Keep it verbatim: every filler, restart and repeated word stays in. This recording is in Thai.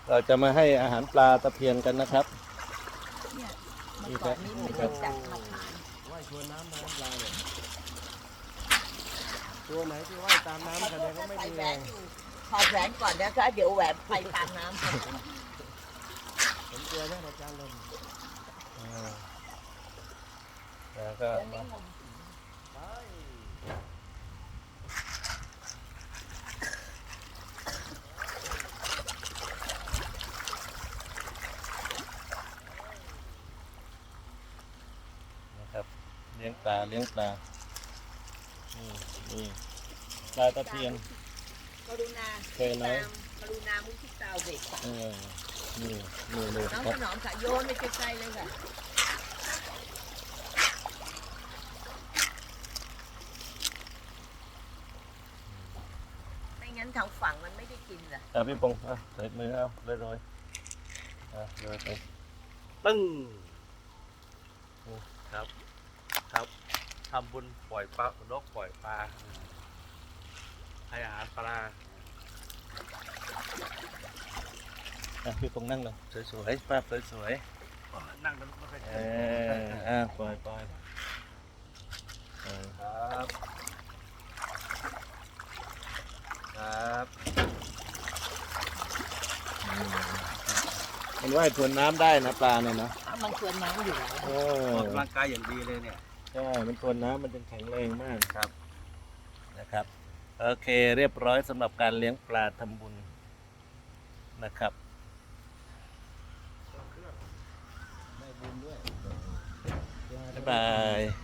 เราจะมาให้อาหารปลาตะเพียนกันนะครับเนี่ยเมื่อก่อนนี้มันจะจับมาขายว่ายชวนน้ำน้ำปลาเนี่ยตัวไหนที่ว่ายตามน้ำแสดงว่าไม่มีแรงถอดแหวนก่อนนะคะเดี๋ยวแหวนไปตามน้ำผมเจอแม่อาจารย์ลมอ่าแล้วก็มานะครับเลี้ยงปลาเลี้ยงปลานี่นี่ปลาตะเพียนกรุณาเคยไหมกรุณามุทิตาเด็กค่ะเออนี่นี่เลยน้องครัถบนอมค่ะโยนไปไกลๆเลยค่ะไม่งั้นทางฝั่งมันไม่ได้กินล่ะอ่ะพี่ปงอ่ะใส่มือเอาเลยโรยอ่ะโรยไปตึ้งครับครับทำบุญปล่อยปลานกปล่อยปลาให้อาหารปลาอ่ะพี่ปงนั่งเลยสวยๆภาพสวยนั่งกันไม่ค่อยๆเจเออออ่ะปล่อยปล่อยเออครับครับอืมมันว่ายทวนน้ำได้นะปลาเนี่ยนะอ่ะมันชวนน้ำอยู่แล้วเออออกกำลังกายอย่างดีเลยเนี่ยใช่มันทวนน้ำมันจึงแข็งแรงมากครับนะครับโอเคเรียบร้อยสำหรับการเลี้ยงปลาทำบุญนะครับบ๊ายบาย